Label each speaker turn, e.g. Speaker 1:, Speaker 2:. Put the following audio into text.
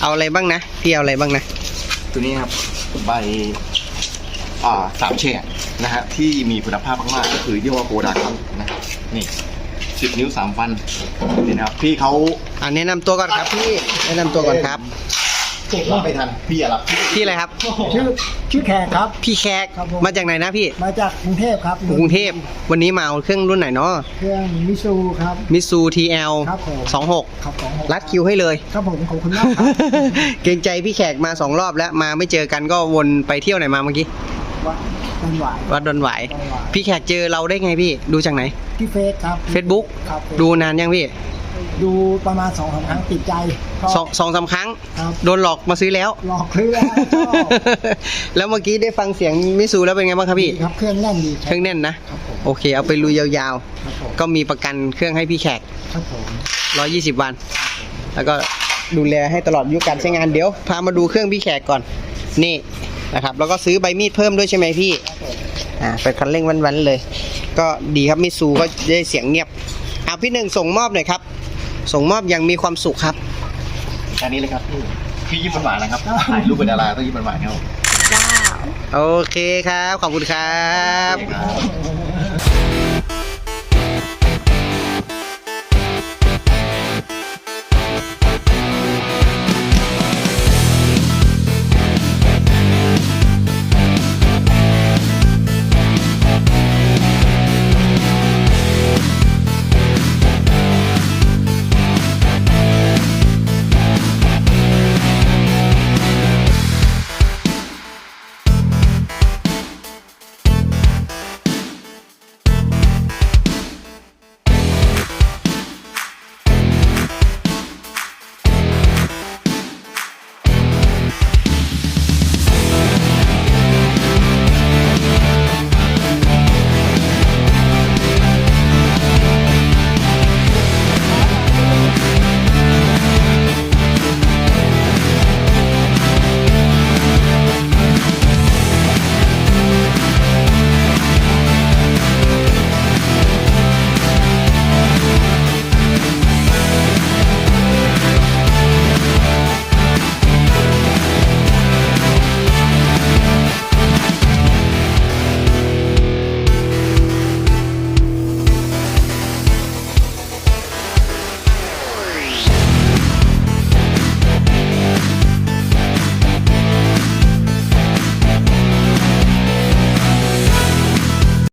Speaker 1: เอาอะไรบ้างนะพี่เอาอะไรบ้างนะ
Speaker 2: ตัวนี้ครับใบสามแฉกนะฮะที่มีคุณภาพมากๆก็คือยี่ห้อโกดาครับนะนี่10 นิ้ว 3 ฟันนี่นะครับพี่เขา
Speaker 1: แนะนำตัวก่อนครับพี่แนะนำตัวก่อนครับ
Speaker 2: รับไม่ทันพี่อย่ารับ
Speaker 1: พี่อะไรครับ
Speaker 3: ชื่อแขกครับ
Speaker 1: พี่แขก
Speaker 3: ครับผม
Speaker 1: มาจากไหนนะพี่
Speaker 3: มาจากกรุงเทพครับ
Speaker 1: กรุงเทพวันนี้มาเอาเครื่องรุ่นไหนเนาะ
Speaker 3: เครื่องมิซูครับ
Speaker 1: มิซู TL
Speaker 3: ครับผม
Speaker 1: 26
Speaker 3: ครับ26
Speaker 1: รัดคิวให้เลย
Speaker 3: ครับผมขอบคุณมากครับ
Speaker 1: เกรงใจพี่แขกมา2 รอบแล้วมาไม่เจอกันก็วนไปเที่ยวไหนมาเมื่อกี้
Speaker 3: วัดต้นหวาย
Speaker 1: วัดดอนหวาย
Speaker 3: ดอนหวาย
Speaker 1: พี่แขกเจอเราได้ไงพี่ดูจากไหน
Speaker 3: ที่เฟซครับ
Speaker 1: Facebook
Speaker 3: ครับ
Speaker 1: ดูนานยังพี่
Speaker 3: ดูประมาณ2-3 ครั้งติดใจชอบ
Speaker 1: สองสามครั้ง
Speaker 3: ครับ
Speaker 1: โดนหลอกมาซื้อแล้ว
Speaker 3: หลอกเครื่องชอบ
Speaker 1: แล้วเมื่อกี้ได้ฟังเสียงมิซูแล้วเป็นไงบ้างครับพี่
Speaker 3: ดีครับเครื่องแน่นดี
Speaker 1: เครื่องแน่นนะ
Speaker 3: ครับผม
Speaker 1: โอเค เอาไปลุยยาว
Speaker 3: ครับผม
Speaker 1: ๆ ก็มีประกันเครื่องให้พี่แขก
Speaker 3: ครับผม
Speaker 1: 120 วัน แล้วก็ดูแลให้ตลอดอายุการใช้งานเดี๋ยวพามาดูเครื่องพี่แขกก่อน นี่นะครับ แล้วก็ซื้อใบมีดเพิ่มด้วยใช่ไหมพี่
Speaker 3: ครับผม
Speaker 1: เป็นคันเร่งวันๆเลย ก็ดีครับมิซูก็ได้เสียงเงียบพี่หนึ่งส่งมอบหน่อยครับ ส่งมอบอย่างมีความสุขครับ
Speaker 2: อันนี้เลยครับพี่ยิ้มหวานๆนะครับถ่ายรูปเป็นดาราต้องยิ้มหวานๆครับ
Speaker 1: โอเคครับ ขอบคุณครับ
Speaker 2: ครับ